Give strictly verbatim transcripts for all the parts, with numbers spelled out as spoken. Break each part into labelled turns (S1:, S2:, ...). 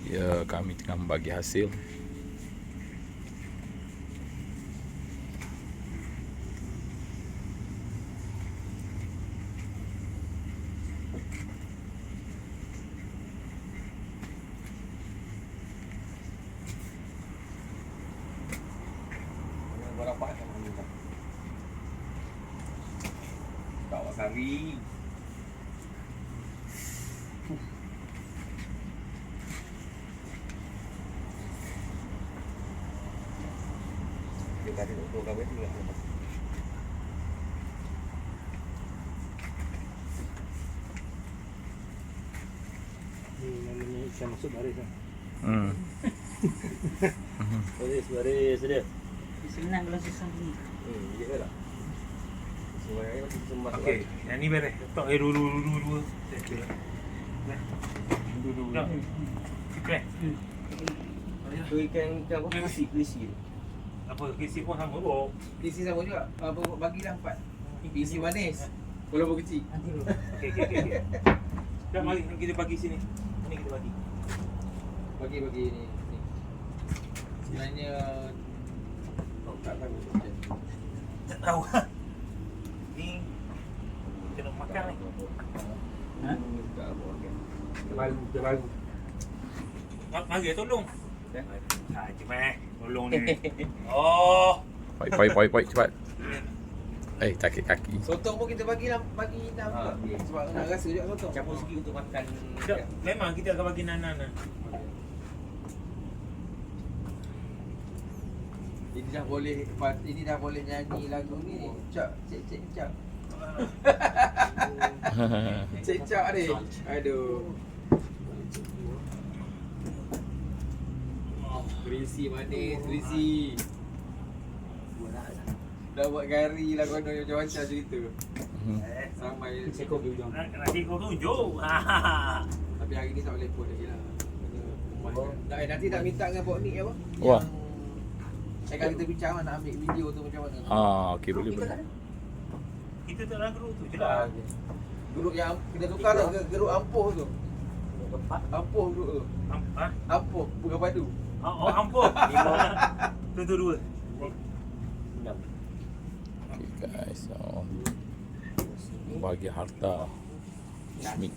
S1: Ya, kami tengah membagi hasil.
S2: Berapa kan minta? Bawa kari. Kita ada untuk kawin juga.
S3: Ni namanya ikan masuk baris lah.
S1: Hmm.
S3: Baris, baris dia.
S4: Senang kalau susah ni.
S2: Hmm, dia lah. Semuanya masih sembah.
S5: Okey, yang ni beres. Tok air dulu dulu dulu dulu. Dulu dulu. Okey.
S2: Tu ikan ikan apa? Krisi, krisi.
S5: Apa kisi pun sama bro.
S2: Krisi sama juga. Apa bagilah empat. Krisi manis. Walaupun kecil.
S4: Nanti dulu.
S5: Okey okey okey. Dah mari kita bagi sini. Ini kita bagi.
S2: Bagi-bagi ni. ni. Sebenarnya tak tahu macam tu.
S5: Tak tahu. Ni kena makan ni.
S4: Ha?
S2: Tak apa okey.
S3: Terbaru, terbaru.
S5: Mari tolong.
S2: Eh?
S5: Saja meh. Tolong ni. Oh.
S1: Poi poi poi poi cepat. Eh, sakit kaki.
S2: Sotong pun kita bagilah bagi enam
S3: Ha,
S2: juga. Sebab nak rasa juga sotong.
S3: Campur sikit untuk makan.
S5: Tak, memang kita akan bagi nanan.
S2: Ini dah boleh ini dah boleh nyanyi lagu ni. Cak cek cek cak. Cek cak ni. Aduh. Berisi manis, berisi. Dah buat gari lah kono macam-macam cerita.
S5: Eh,
S2: Sampai
S3: Sekor di ujung.
S5: nak nak kau tunjuk.
S2: tapi hari ni tak boleh pun lagi lah. Kena rumah je. Nak, eh, nanti nak minta dengan Pok Nik apa?
S1: Wah.
S2: Yang akan kita bincang lah nak ambil video tu macam mana.
S1: Ah, okey boleh
S2: Kita
S1: boleh.
S2: tak ada.
S5: Kita tak nak geruk tu je
S2: Ah,
S5: lah.
S2: okey. Geruk yang kita tukar lah ke geruk ampuh tu. Ampuh geruk tu.
S5: Am- Ha?
S2: Ampuh bukan padu.
S5: Oh, oh ampun. Tu tu dua.
S1: Okey guys. Oh. Bagi harta. Bismik.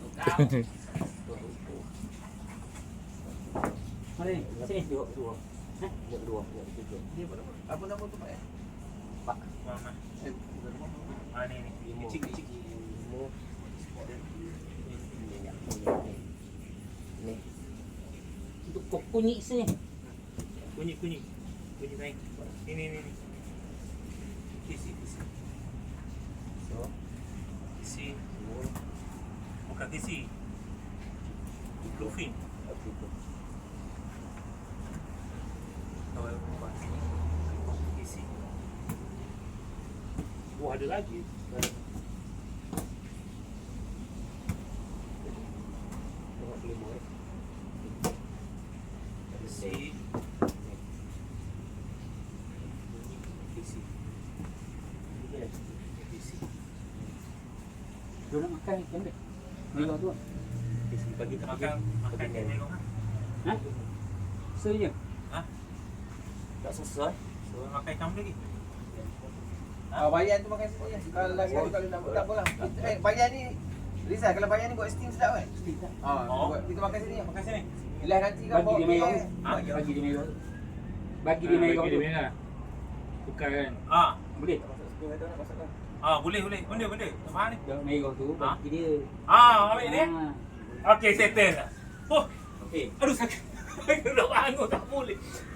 S4: Mari, sini.
S3: Dua, dua.
S4: Ha?
S3: Dua, dua, dua, tiga.
S2: Dia apa nama? Apa nama tu Pak? eh?
S3: Pak.
S5: Mana?
S2: Eh, bukan nama.
S5: Ah ni ni. Kecil kecil.
S3: Lima. Ni.
S4: Untuk kok kunyit sini.
S5: Kunyit kunyit. Kunyit naik. Ini ni ni. Kisi kisi.
S3: So,
S5: Kisi.
S3: dua,
S5: Bukan kisi. Bluefin.
S3: tiga.
S5: Kalau buat sini. Kisi. Wah ada lagi.
S3: Tengok lima eh.
S5: Kisi. Kisi. Kisi.
S4: Dia nak makan ikan dia. Merah tu.
S3: Kisi bagi tak
S5: Makan makan dia tengok kan.
S4: Ha? Saja.
S5: Ha?
S3: tak sesuai.
S5: So makan ikan lagi.
S2: Ah, bayan tu makan sikit je. Kalau lagi hari kalau nak buat tak apalah. Eh, bayan ni Rizal, kalau bayan ni buat steam sedap kan?
S4: Tidak.
S2: Ah,
S5: Oh.
S2: buat, kita makan sini.
S5: Makan sini.
S2: Bila nanti kau
S4: Bagi
S2: bawa
S4: dia
S2: pergi,
S4: merah.
S2: eh.
S5: Ah,
S4: Bagi dia merah. Bagi dia merah tu.
S3: Tukar kan.
S5: Ah,
S4: Boleh.
S5: ah boleh boleh. Benda benda. Apa ni?
S4: Yang merah tu
S5: Ha?
S4: bagi dia.
S5: Ah, ambil ni.
S4: Ha.
S5: Okey, settle. Oh,
S4: Okey.
S5: aduh sakit. Nak bangun tak boleh.